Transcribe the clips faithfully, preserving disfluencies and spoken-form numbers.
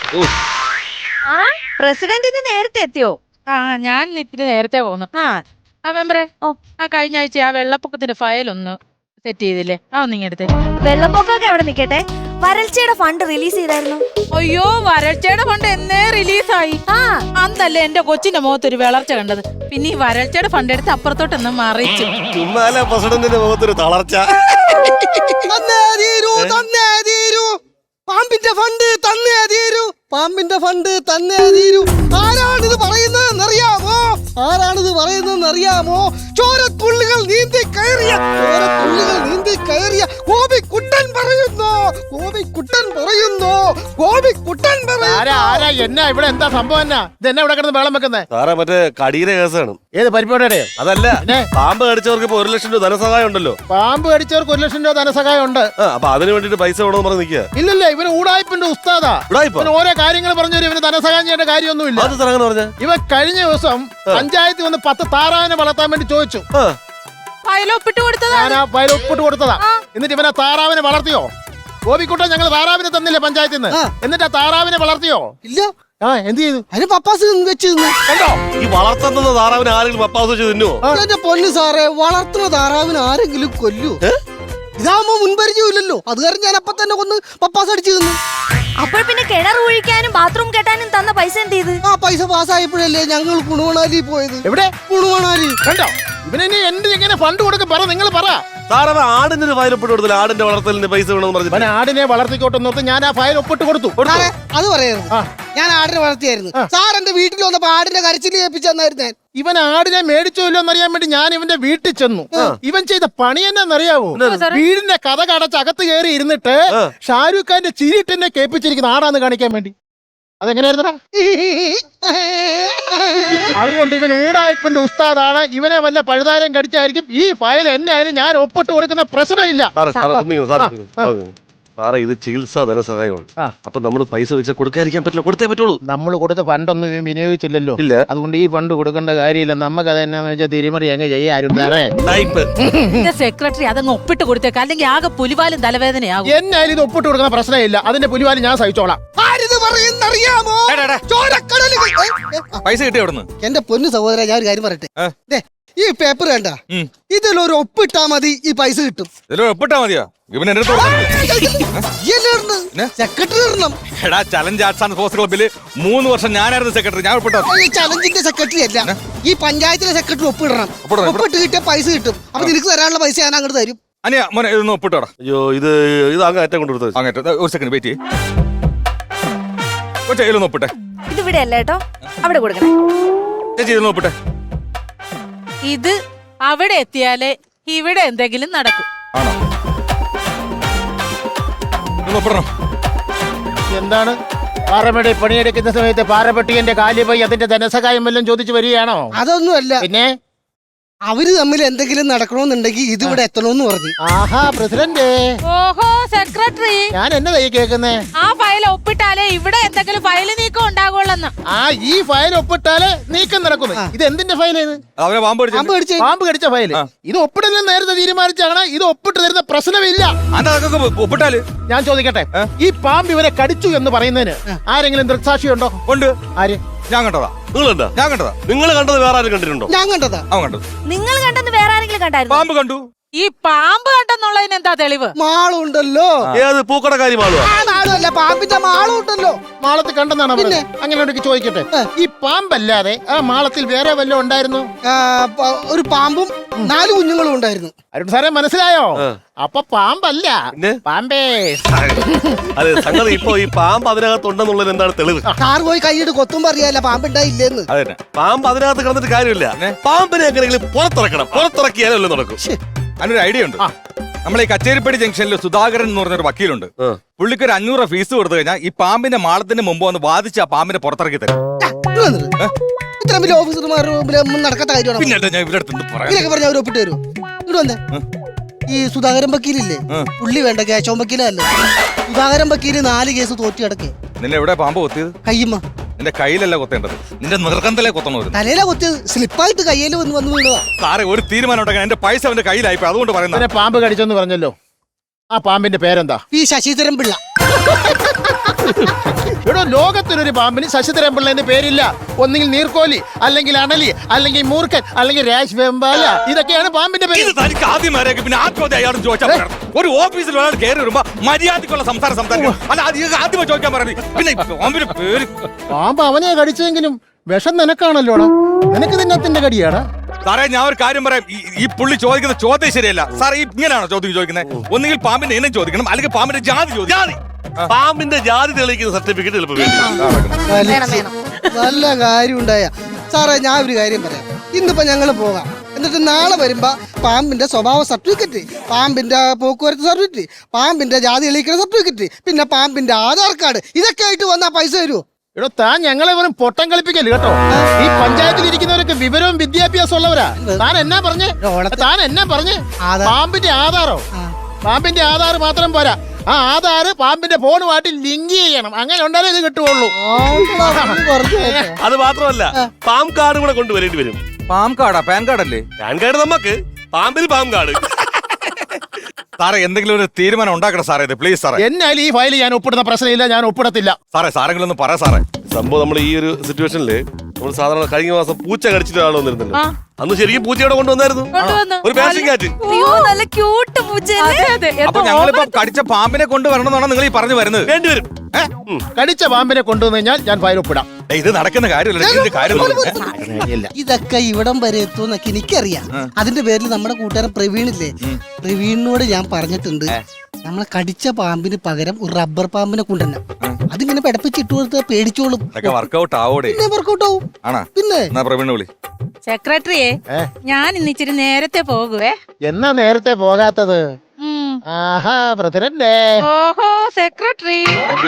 ആ പ്രസിഡന്റിന് നേരത്തെ എത്തിയോ? ആ ഞാൻ ഇത്തിരി നേരത്തെ പോന്നു. ആ ആ മെമ്പറെ, ഓ ആ കഴിഞ്ഞ ആഴ്ച ആ വെള്ളപ്പൊക്കത്തിന്റെ ഫയൽ ഒന്ന് സെറ്റ് ചെയ്തില്ലേ? ആ ഒന്നിങ്ങ എടുത്തേ. വെള്ളപ്പൊക്കമൊക്കെ അവിടെ നിക്കട്ടെ, വരൾച്ചയുടെ ഫണ്ട് റിലീസ് ചെയ്തായിരുന്നു. അയ്യോ, വരൾച്ചയുടെ ഫണ്ട് എന്നേ റിലീസായി. ആ അന്നല്ലേ എന്റെ കൊച്ചിന്റെ മുഖത്തൊരു വളർച്ച കണ്ടത്. പിന്നെ ഈ വരൾച്ചയുടെ ഫണ്ട് എടുത്ത് അപ്പുറത്തോട്ടൊന്ന് മറിച്ചു. ചുമ്മാല പ്രസിഡന്റിന്റെ മുഖത്തൊരു തളർച്ച. പാമ്പിന്റെ ഫണ്ട് തന്നേ തീരൂ, പാമ്പിന്റെ ഫണ്ട് തന്നേ തീരൂ. ആരാണിത് പറയുന്നതെന്നറിയാമോ? ആരാണിത് പറയുന്നതെന്നറിയാമോ? ചോരത്തുള്ളികൾ നീന്തി കയറിയ ചോരത്തുള്ളികൾ നീന്തി കയറിയ ഗോപിക്കുട്ടൻ പറയുന്നു, ഗോപിക്കുട്ടൻ പറയുന്നു, ഗോപിക്കുട്ടൻ പറയുന്നു. എന്നാ ഇവിടെ എന്താ സംഭവം? എന്നാ ഇതെന്നാ ഇവിടെ കിടന്ന് വെള്ളം വെക്കുന്നേ? സാറേ മറ്റേ കടിയുടെ കേസാണ്. ഏത് പരിപാടിയുടെയോ? അതല്ല, പാമ്പ് കടിച്ചവർക്ക് ഇപ്പൊ ഒരു ലക്ഷം രൂപ ധനസഹായം ഉണ്ടല്ലോ. പാമ്പ് കടിച്ചവർക്ക് ഒരു ലക്ഷം രൂപ ധനസഹായം ഉണ്ട്. അപ്പൊ അതിന് വേണ്ടിട്ട് പൈസ വേണമെന്ന് പറഞ്ഞ് നിൽക്കുക. ഇല്ലല്ലേ, ഇവന് ഊടായ്പിന്റെ ഉസ്താദാ. ഇവന് ഓരോ കാര്യങ്ങൾ പറഞ്ഞു തരും. ഇവന് ധനസഹായം ചെയ്യേണ്ട കാര്യമൊന്നുമില്ല. അത് സാർ അങ്ങനെ പറഞ്ഞ ഇവൻ കഴിഞ്ഞ ദിവസം പഞ്ചായത്തിൽ വന്ന് പത്ത് താറാവിനെ വളർത്താൻ വേണ്ടി ചോദിച്ചു. ഫയലൊപ്പിട്ട് കൊടുത്തതാ. ഞാൻ ആ ഫയൽ ഒപ്പിട്ട് കൊടുത്തതാ. എന്നിട്ട് ഇവനെ താറാവിനെ വളർത്തിയോ? ഗോപിക്കുട്ടൻ ഞങ്ങൾ താറാവിനെ തന്നില്ലേ പഞ്ചായത്തിൽ നിന്ന്? എന്നിട്ട് ആ താറാവിനെ വളർത്തിയോ? ഇല്ല. ആ എന്ത് ചെയ്തു? അതിന് പപ്പാസ് വെച്ച് കണ്ടോ? ഈ വളർത്തുന്ന താറാവിന് ആരെങ്കിലും പപ്പാസ് വെച്ച് തിന്നോ? എന്റെ പൊന്നു സാറേ, വളർത്തുന്ന താറാവിന് ആരെങ്കിലും കൊല്ലൂ? ഇതാവുമ്പോ മുൻപരിചയമില്ലല്ലോ, അത് കാരണം ഞാൻ അപ്പൊ തന്നെ കൊന്ന് പപ്പാസ് അടിച്ചു തിന്നു. അപ്പോൾ പിന്നെ കിണർ ഒഴിക്കാനും ബാത്റൂം കെട്ടാനും തന്ന പൈസ എന്ത് ചെയ്ത്? ആ പൈസ പാസ്സായപ്പോഴല്ലേ ഞങ്ങൾ കുണുവണാലി പോയത്. എവിടെ? കുണുവണാലി. കണ്ടോ? ഇവനെ എന്ത് എങ്ങനെ ഫണ്ട് കൊടുക്കും? പറ, നിങ്ങൾ പറ. സാറേ ആടിന് ഒരു ഫയൽ ഒപ്പിട്ട് കൊടുത്തില്ല. ആടിന്റെ വളർത്തലിന് പൈസ വേണമെന്ന് പറഞ്ഞു. അവൻ ആടിനെ വളർത്തിക്കോട്ടെ നോർത്ത് ഞാൻ ആ ഫയൽ ഒപ്പിട്ട് കൊടുത്തു. അത് പറയരുത്. ഞാൻ ആടിനെ വളർത്തിയായിരുന്നു. സാർ എന്റെ വീട്ടിൽ വന്നപ്പോ ആടിന്റെ കരച്ചിൽ കേൾപ്പിച്ചെന്നായിരുന്നു. ഇവൻ ആടിനെ മേടിച്ചോ ഇല്ലോ അറിയാൻ വേണ്ടി ഞാൻ ഇവന്റെ വീട്ടിൽ ചെന്നു. ഇവൻ ചെയ്ത പണി എന്നാന്നറിയാവോ? വീടിന്റെ കഥ കടച്ച് അകത്ത് കയറി ഇരുന്നിട്ട് ഷാരൂഖ് ഖാന്റെ ചിരിട്ട് എന്നെ കേൾപ്പിച്ചിരിക്കുന്ന ആടാന്ന് കാണിക്കാൻ വേണ്ടി. അതെങ്ങനെയായിരുന്നടാ? അതുകൊണ്ട് ഇവൻ ഊടായ്പന്റെ ഉസ്താദാണ്. ഇവനെ വല്ല പഴുതാരം കടിച്ചായിരിക്കും. ഈ ഫയൽ എന്നെ ആയാലും ഞാൻ ഒപ്പിട്ട് കൊടുക്കുന്ന പ്രശ്നമില്ല. സാറേ ഇത് ചികിത്സാ ധനസഹായമാണ്. അപ്പൊ നമ്മൾ പൈസ വെച്ചാൽ കൊടുക്കാതിരിക്കാൻ പറ്റില്ല, കൊടുത്തേ പറ്റുള്ളൂ. നമ്മൾ കൊടുത്ത ഫണ്ടൊന്നും ഇവൻ വിനിയോഗിച്ചില്ലല്ലോ. ഇല്ല. അതുകൊണ്ട് ഈ ഫണ്ട് കൊടുക്കേണ്ട കാര്യമില്ല. നമുക്ക് അത് എന്നാന്ന് വെച്ചാൽ തിരിമറി അങ്ങ് ചെയ്യാരും. സെക്രട്ടറി അതങ്ങ് ഒപ്പിട്ട് കൊടുത്തേക്ക്, അല്ലെങ്കിൽ ആകെ പുലിവാലും തലവേദനയാകും. എന്നാലും ഇത് ഒപ്പിട്ട് കൊടുക്കുന്ന പ്രശ്നമില്ല. അതിന്റെ പുലിവാലും ഞാൻ സഹിച്ചോളാം. പറയുന്നറിയാമോ? പൈസ കിട്ടിയ അവിടുന്ന്. എന്റെ പൊന്നു സഹോദര, ഞാൻ ഒരു കാര്യം പറയട്ടെ. ഈ പേപ്പർ കണ്ട, ഇതിലൊരു ഒപ്പിട്ടാ മതി, ഈ പൈസ കിട്ടും. ഒപ്പിട്ടാ മതിയോ? സെക്രട്ടറി ഇടണം. എടാ, ചലഞ്ച് ആർട്സ് ആൻഡ് സ്പോർട്സ് ക്ലബ്ബില് മൂന്ന് വർഷം ഞാനായിരുന്നു സെക്രട്ടറി. ഞാൻ ഒപ്പിട്ടോ? ഈ ചലഞ്ചിന്റെ സെക്രട്ടറി അല്ല, ഈ പഞ്ചായത്തിലെ സെക്രട്ടറി ഒപ്പിടണം. ഒപ്പിട്ട് കിട്ടിയ പൈസ കിട്ടും. അപ്പൊ നിനക്ക് തരാനുള്ള പൈസ ഞാൻ അങ്ങോട്ട് തരും. അനിയാ മോനെ, ഇതൊന്ന് ഒപ്പിട്ടോടാ. അയ്യോ, ഇത് ഇത് അങ്ങ് ഏറ്റവും കൊണ്ടുകൊടുത്തത്. അങ്ങേറ്റ ഒരു സെക്കൻഡ് വെയിറ്റ് ചെയ്യേ. ഒറ്റ ഇതിലൊന്ന് ഒപ്പിട്ടെ. ഇതിവിടെ അല്ല കേട്ടോ, അവിടെ കൊടുക്കണേ. ചേച്ചി ഇതൊന്ന് ഒപ്പിട്ടെ. ഇത് അവിടെ എത്തിയാലേ ഇവിടെ എന്തെങ്കിലും നടക്കും. ആണോ? ഒപ്പിടണം. എന്താണ് പാറമേടി പണിയെടുക്കുന്ന സമയത്ത് പാറപ്പെട്ടിന്റെ കാലി പോയി അതിന്റെ ധനസഹായം വല്ലതും ചോദിച്ചു വരികയാണോ? അതൊന്നുമല്ല. പിന്നെ അവര് തമ്മിൽ എന്തെങ്കിലും നടക്കണമെന്നുണ്ടെങ്കിൽ ഇതിവിടെ എത്തണമെന്ന് പറഞ്ഞു. ആഹാ, പ്രസിഡന്റ്. ഓഹോ, സെക്രട്ടറി, ഞാൻ എന്നതായി കേൾക്കുന്നേ? ആ ഫയൽ ഒപ്പിട്ടാലേ ഇവിടെ എന്തെങ്കിലും ഫയൽ നീക്കം ഉണ്ടാകുള്ളന്ന്. ആ ഈ ഫയൽ ഒപ്പിട്ടാലേ നീക്കം നടക്കുന്നു. ഇത് എന്തിന്റെ ഫയലേത്? അവനെ പാമ്പ് കടിച്ചു. പാമ്പ് കടിച്ച ഫയല്. ഇത് ഒപ്പിടുന്ന നേരത്തെ തീരുമാനിച്ചാണ്. ഇത് ഒപ്പിട്ട് തരുന്ന പ്രശ്നമില്ല. ഒപ്പിട്ടാല് ഞാൻ ചോദിക്കട്ടെ, ഈ പാമ്പ് ഇവരെ കടിച്ചു എന്ന് പറയുന്നതിന് ആരെങ്കിലും ദൃക്സാക്ഷിയുണ്ടോ? ഉണ്ട്. ആര്? ഞാൻ കണ്ടതാ. നിങ്ങൾ കണ്ടാ? ഞാൻ കണ്ടതാ. നിങ്ങൾ കണ്ടത് വേറെ ആരും കണ്ടിട്ടുണ്ടോ? ഞാൻ കണ്ടതാ. അവൻ കണ്ടത്. നിങ്ങൾ കണ്ടെന്ന് വേറെ ആരെങ്കിലും കണ്ടായിരുന്നു? പാമ്പ് കണ്ടു. ഈ പാമ്പ് കണ്ടെന്നുള്ളതിന് എന്താ തെളിവ്? മാളുണ്ടല്ലോ. ഏത് പൂക്കടക്കാരി മാളുവാ? മാളുമല്ല, പാമ്പിന്റെ മാളും ഉണ്ടല്ലോ. മാളത്തിൽ കണ്ടെന്നാണ് പറഞ്ഞത്. അങ്ങനെ ഉണ്ടെങ്കിൽ ചോദിക്കട്ടെ, ഈ പാമ്പല്ലാതെ ആ മാളത്തിൽ വേറെ വല്ലതും ഉണ്ടായിരുന്നു? ഒരു പാമ്പും നാല് കുഞ്ഞുങ്ങളും ഉണ്ടായിരുന്നു. അരുൺ സാറേ, മനസ്സിലായോ? അപ്പൊ പാമ്പല്ല, പാമ്പേ. അതെ, സംഗതി ഇപ്പൊ ഈ പാമ്പ് അതിനകത്തുണ്ടെന്നുള്ളത് എന്താണ് തെളിവ്? കാർ പോയി കൈയിട്ട് കൊത്തുമ്പോ അറിയാല്ല പാമ്പുണ്ടായില്ലെന്ന്. പാമ്പ് അതിനകത്ത് കിടന്നിട്ട് കാര്യമില്ല. പാമ്പിനെ എങ്ങനെയെങ്കിലും പുറത്തിറക്കണം. പുറത്തിറക്കിയാലല്ലോ നടക്കും. അതിനൊരു ഐഡിയ ഉണ്ട്. നമ്മളെ ഈ കച്ചേരിപ്പടി ജംഗ്ഷനിൽ സുധാകരൻ എന്ന് പറഞ്ഞൊരു വക്കീലുണ്ട്. പുള്ളിക്ക് ഒരു അഞ്ഞൂറ് ഫീസ് കൊടുത്തു കഴിഞ്ഞാൽ ഈ പാമ്പിന്റെ മാളത്തിന് മുമ്പ് വന്ന് വാദിച്ച് ആ പാമ്പിനെ പുറത്തിറക്കി തരും. ഇത്ര വലിയ ഓഫീസർമാർ നടക്കാത്ത കാര്യമാണ്. പിന്നെ ഞാൻ ഇവരുടെ അടുത്ത് ഇതൊക്കെ പറഞ്ഞ അവർ ഒപ്പിട്ട് തരും. ഇവിടെ വന്നേ, ഈ സുധാകരൻ വക്കീലില്ലേ, പുള്ളി വേണ്ട കേശവൻ വക്കീലല്ലേ. സുധാകരൻ വക്കീല് നാല് കേസ് തോറ്റി കിടക്കേ. നിന്നെ എവിടെ പാമ്പ് കൊത്തിയത്? കയ്യമ്മ. നിന്റെ കയ്യിലല്ല കൊത്തേണ്ടത്, നിന്റെ നിർഗന്ധത്തിലെ കൊത്തണോ? തലയില കൊത്തിയത്. സ്ലിപ്പായിട്ട് കയ്യിൽ വന്ന് വന്ന് വീണതാ. സാറേ, ഒരു തീരുമാനം ഉണ്ടാക്കാൻ എന്റെ പൈസ അവന്റെ കയ്യിലായിപ്പോ, അതുകൊണ്ട് പറയുന്നത്. പാമ്പ് കടിച്ചെന്ന് പറഞ്ഞല്ലോ, ആ പാമ്പിന്റെ പേരെന്താ? പി ശശിധരൻ പിള്ള. ഇവിടെ ലോകത്തിലൊരു പാമ്പിന് ശശിധരൻ പിള്ളേന്റെ പേരില്ല. ഒന്നുകിൽ നീർക്കോലി, അല്ലെങ്കിൽ അണലി, അല്ലെങ്കിൽ മൂർഖൻ, അല്ലെങ്കിൽ രാജ് വെമ്പാല. ഇതൊക്കെയാണ് പാമ്പിന്റെ പേര്. ഇത് തനിക്ക് ആദ്യം ആരെയൊക്കെ പിന്നെ ആത്മഹത്യ അയാളും ചോദിച്ചാൽ പോരാ. ഒരു ഓഫീസിൽ ഒരാൾ കയറി വരുമ്പോ മര്യാദക്കുള്ള സംസാരം സംസാരിക്കും. അല്ല അത് ഇത് ആദ്യമേ ചോദിക്കാൻ പറഞ്ഞു. പിന്നെ പാമ്പിന്റെ പേര് പാമ്പ് അവനെ കടിച്ചെങ്കിലും വിഷം നിനക്കാണല്ലോടാ. നിനക്ക് തിന്നത്തിന്റെ കടിയാടാ. സാറേ ഞാൻ ഒരു കാര്യം പറയാം. ഈ- ഈ പുള്ളി ചോദിക്കുന്ന ചോദ്യം ശരിയല്ല സാറേ. ഈ ഇങ്ങനെയാണോ ചോദ്യം ചോദിക്കുന്നത്? ഒന്നുകിൽ പാമ്പിന്റെ ഇനം ചോദിക്കണം, അല്ലെങ്കിൽ പാമ്പിന്റെ ജാതി ചോദിക്കണം. ജാതി പാമ്പിന്റെ ജാതി തെളിയിക്കുന്ന സർട്ടിഫിക്കറ്റ് ചിലപ്പോൾ വേണ്ടി വേണം വേണം നല്ല കാര്യം ഉണ്ടായ സാറേ. ഞാൻ ഒരു കാര്യം പറയാം. ഇന്നിപ്പോ ഞങ്ങൾ പോകാം, എന്നിട്ട് നാളെ വരുമ്പോ പാമ്പിന്റെ സ്വഭാവ സർട്ടിഫിക്കറ്റ്, പാമ്പിന്റെ പോക്കുവരത്ത് സർട്ടിഫിക്കറ്റ്, പാമ്പിന്റെ ജാതി തെളിയിക്കുന്ന സർട്ടിഫിക്കറ്റ്, പിന്നെ പാമ്പിന്റെ ആധാർ കാർഡ്, ഇതൊക്കെ ആയിട്ട് വന്നാ പൈസ തരുമോ? എടോ താൻ ഞങ്ങളെ വെറും പൊട്ടം കളിപ്പിക്കല് കേട്ടോ. ഈ പഞ്ചായത്തിൽ ഇരിക്കുന്നവരൊക്കെ വിവരവും വിദ്യാഭ്യാസം ഉള്ളവരാ. താൻ എന്നാ പറഞ്ഞേ? താൻ എന്നാ പറഞ്ഞേ? ആധാർ. പാമ്പിന്റെ ആധാറോ? പാമ്പിന്റെ ആധാർ മാത്രം പോരാ, ആ ആധാർ പാമ്പിന്റെ ഫോണുമായിട്ട് ലിങ്ക് ചെയ്യണം. അങ്ങനെ ഉണ്ടാലേ ഇത് കിട്ടുള്ളൂ. അത് മാത്രമല്ല പാം കാർഡ് കൂടെ കൊണ്ടുവരേണ്ടി വരും. പാം കാർഡാ? പാൻ കാർഡല്ലേ? പാൻ കാർഡ് നമുക്ക്, പാമ്പിന് പാം കാർഡ്. സാറേ എന്തെങ്കിലും ഒരു തീരുമാനം ഉണ്ടാക്കണം സാറേ. ഇത് പ്ലീസ് സാറേ. എന്നാൽ ഈ ഫയൽ ഞാൻ ഒപ്പിടുന്ന പ്രശ്നമില്ല, ഞാൻ ഒപ്പിടത്തില്ല. സാറേ സാറെങ്കിലും ഒന്ന് പറ സാറേ. സംഭവം നമ്മൾ ഈ ഒരു സിറ്റുവേഷനില് നമ്മൾ സാധാരണ കഴിഞ്ഞ മാസം പൂച്ച കടിച്ചിട്ട് ആൾ വന്നിരുന്നല്ലോ. അന്ന് ശരിക്കും പൂച്ചയോടെ കൊണ്ടുവന്നായിരുന്നു. കൊണ്ടുവന്നു. ഒരു പാസിംഗ് കാറ്റ്. അയ്യോ നല്ല ക്യൂട്ട് പൂച്ചയല്ലേ? അതെ അതെ അപ്പൊ ഞങ്ങളിപ്പോ കടിച്ച പാമ്പിനെ കൊണ്ടുവരണം എന്നാണ് നിങ്ങൾ ഈ പറഞ്ഞു വരുന്നത്? വേണ്ടിവരും. കടിച്ച പാമ്പിനെ കൊണ്ടുവന്നു കഴിഞ്ഞാൽ ഞാൻ ഫയൽ ഒപ്പിടാം. ഏയ്, ഇത് നടക്കുന്ന കാര്യമല്ല. ഇതിന്റെ കാര്യം നോക്ക്. ഇതൊക്കെ ഇവിടം വരെ എത്തുമെന്നൊക്കെ എനിക്കറിയാം. അതിന്റെ പേരിൽ നമ്മുടെ കൂട്ടുകാരൻ പ്രവീണില്ലേ, പ്രവീണിനോട് ഞാൻ പറഞ്ഞിട്ടുണ്ട് നമ്മളെ കടിച്ച പാമ്പിന് പകരം ഒരു റബ്ബർ പാമ്പിനെ കൊണ്ടുവരണം. അതിങ്ങനെ പിടപ്പിച്ചിട്ട് കൊടുത്താൽ പേടിച്ചോളും. ഇതൊക്കെ വർക്കൗട്ട് ആവോടെ? പിന്നെ വർക്കൗട്ട് ആവും. ആണോ? പിന്നെ എന്നാ പ്രവീണ് വിളി. സെക്രട്ടറിയെ ഏ? ഞാൻ ഇന്ന് ഇച്ചിരി നേരത്തെ പോകുവേ. എന്നാ നേരത്തെ പോകാത്തത്? ഉം. ആഹാ പ്രസിഡന്റ്. ഓഹോ സെക്രട്ടറി.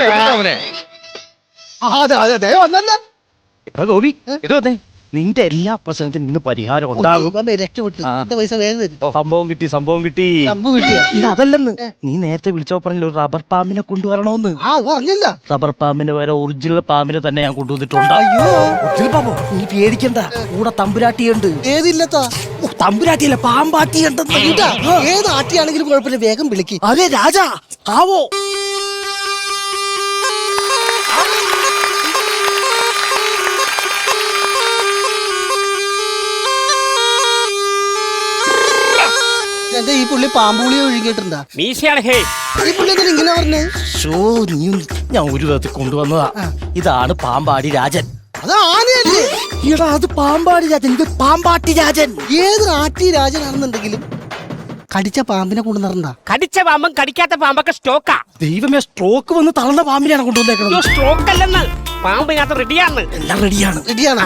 അതെ അതെ അതെ വന്നല്ല ഗോപി ഇത് വന്നേ. നിന്റെ എല്ലാ പ്രശ്നത്തിനും ഇന്ന് പരിഹാരം ഉണ്ടാകും. രക്ഷപ്പെട്ടു. എന്റെ പൈസ വേഗം തരും. സംഭവം കിട്ടി സംഭവം കിട്ടി. സംഭവം കിട്ടിയ ഇത് അതല്ലെന്ന് നീ നേരത്തെ വിളിച്ചോ പറഞ്ഞ ഒരു റബ്ബർ പാമ്പിനെ കൊണ്ടുവരണോന്ന്. ആ പറഞ്ഞില്ല. റബ്ബർ പാമ്പിന്റെ വരെ ഒറിജിനൽ പാമ്പിനെ തന്നെ ഞാൻ കൊണ്ടുവന്നിട്ടുണ്ട്. അയ്യോ ഒറിജിനൽ പാമ്പോ? നീ പേടിക്കണ്ട, കൂടെ തമ്പുരാട്ടിയുണ്ട്. ഏതില്ലത്താ ഓ, തമ്പുരാട്ടിയല്ല പാമ്പാട്ടിയുണ്ടെന്ന്. ഇതാ, ഏത് ആട്ടിയാണെങ്കിലും കുഴപ്പമില്ല, വേഗം വിളിക്ക്. അതെ രാജാ ആവോ. എന്റെ ഈ പുള്ളി പാമ്പുളി ഒഴുകിയിട്ടുണ്ടാ? ഈ പുള്ളി എന്തിനാ ഇങ്ങനെ പറഞ്ഞേ? ഷോ നീ ഞാൻ ഒരു വിധത്തിൽ കൊണ്ടുവന്നതാ. ഇതാണ് പാമ്പാടി രാജൻ. അത് ആനയല്ലേ? ഈടാ അത് പാമ്പാടി രാജൻ, ഇത് പാമ്പാട്ടി രാജൻ. ഏത് ആട്ടി രാജനാണെന്നുണ്ടെങ്കിലും കടിച്ച പാമ്പിനെ കൊണ്ടുവരണ്ട. കടിച്ച പാമ്പും കടിക്കാത്ത പാമ്പൊക്കെ സ്റ്റോക്കാ. ദൈവമേ, സ്ട്രോക്ക് വന്ന് തളർന്ന പാമ്പിനെയാണ് കൊണ്ടുവന്നേക്കുന്നത്. സ്റ്റോക്ക് അല്ലെന്ന്, പാമ്പിനകത്ത് റെഡിയാണ്. എല്ലാം റെഡിയാണ്. റെഡിയാണ്.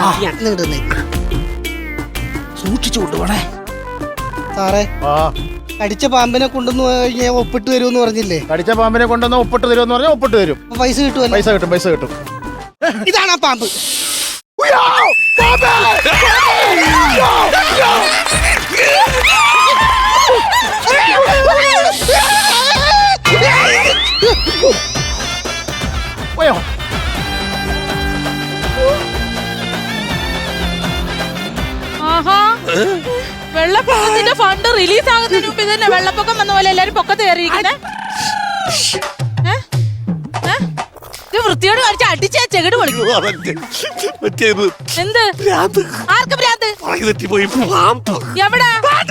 സൂക്ഷിച്ചു കൊണ്ടുപോണേ. സാറേ, കടിച്ച പാമ്പിനെ കൊണ്ടുവന്ന് കഴിഞ്ഞാൽ ഒപ്പിട്ട് തരുമെന്ന് പറഞ്ഞില്ലേ? കടിച്ച പാമ്പിനെ കൊണ്ടുവന്ന് ഒപ്പിട്ട് തരുമെന്ന് പറഞ്ഞാൽ ഒപ്പിട്ട് തരും. അപ്പൊ പൈസ കിട്ടുമല്ലോ. പൈസ കിട്ടും, പൈസ കിട്ടും. ഇതാണ് ആ പാമ്പ്. പോയോ? ആഹാ വെള്ളപ്പൊക്കത്തിന്റെ ഫണ്ട് റിലീസ് ആകുന്നതിന് മുമ്പ് തന്നെ വെള്ളപ്പൊക്കം വന്ന പോലെ എല്ലാരും പൊക്കത്ത് കയറിയിരിക്കുന്നേ. ഇത് വൃത്തിയോട് കാണിച്ച അടിച്ച ചെകിട് പൊളിക്കും. എന്ത്? ആർക്ക് ഭ്രാന്ത്? എവിടെ?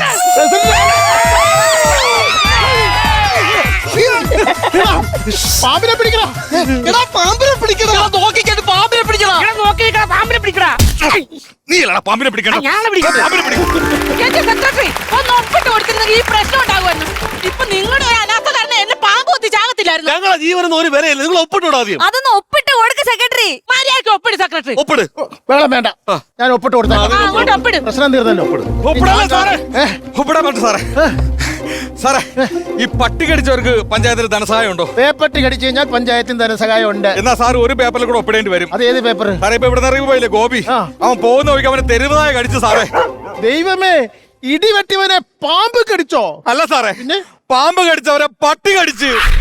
പാമ്പിനെ പിടിക്കണം. എടാ പാമ്പിനെ പിടിക്കടാ. നോക്കിക്കണ്ട് പാമ്പിനെ പിടിക്കണം. നോക്കിക്കട പാമ്പിനെ പിടിക്കടാ. നീ അല്ലടാ പാമ്പിനെ പിടിക്കണം. ഞാനെ പിടിക്കണം. പാമ്പിനെ പിടിക്കും. എന്റെ സെക്രട്ടറി ഒന്ന് ഒപ്പിട്ട് കൊടുത്തിരുന്നെങ്കിൽ ഈ പ്രശ്നം ഉണ്ടാകുമായിരുന്നു. ഇപ്പൊ നിങ്ങളുടെ ഒരു അനാഥ കാരണം എന്നെ പാമ്പ് കുത്തി ചാകത്തില്ലായിരുന്നു. ഞങ്ങളെ ജീവനൊന്നും ഒരു വിലയില്ല. നിങ്ങൾ ഒപ്പിട്ടോടാ ആദ്യം. അതൊന്ന് ഒപ്പിട്ട് കൊടുക്ക സെക്രട്ടറി. മര്യാദയ്ക്ക് ഒപ്പിട് സെക്രട്ടറി. ഒപ്പിട്. വെള്ളം വേണ്ട, ഞാൻ ഒപ്പിട്ട് കൊടുത്താ. ആ, അങ്ങോട്ട് ഒപ്പിട്. പ്രശ്നം തീർന്നല്ലോ. ഒപ്പിടാൻ സാറേ. ഒപ്പിടാൻ പറ്റും സാറേ. സാറേ ഈ പട്ടി കടിച്ചവർക്ക് പഞ്ചായത്തിൽ ധനസഹായം ഉണ്ടോ? പേപ്പട്ടി കടിച്ചു കഴിഞ്ഞാൽ പഞ്ചായത്തിന് ധനസഹായം ഉണ്ട്. എന്നാ സാർ ഒരു പേപ്പറിൽ കൂടെ ഒപ്പിടേണ്ടി വരും. അത് ഏത് പേപ്പർ? സാറേ ഇപ്പൊ ഇവിടെ നിന്ന് പോയില്ലേ ഗോപി, ആ. അവൻ പോകുന്ന വഴിക്ക് അവനെ തെരുവുനായ കടിച്ചു സാറേ. ദൈവമേ, ഇടിവെട്ടിവനെ പാമ്പ് കടിച്ചോ? അല്ല സാറേ, പാമ്പ് കടിച്ചവരെ പട്ടി കടിച്ച്.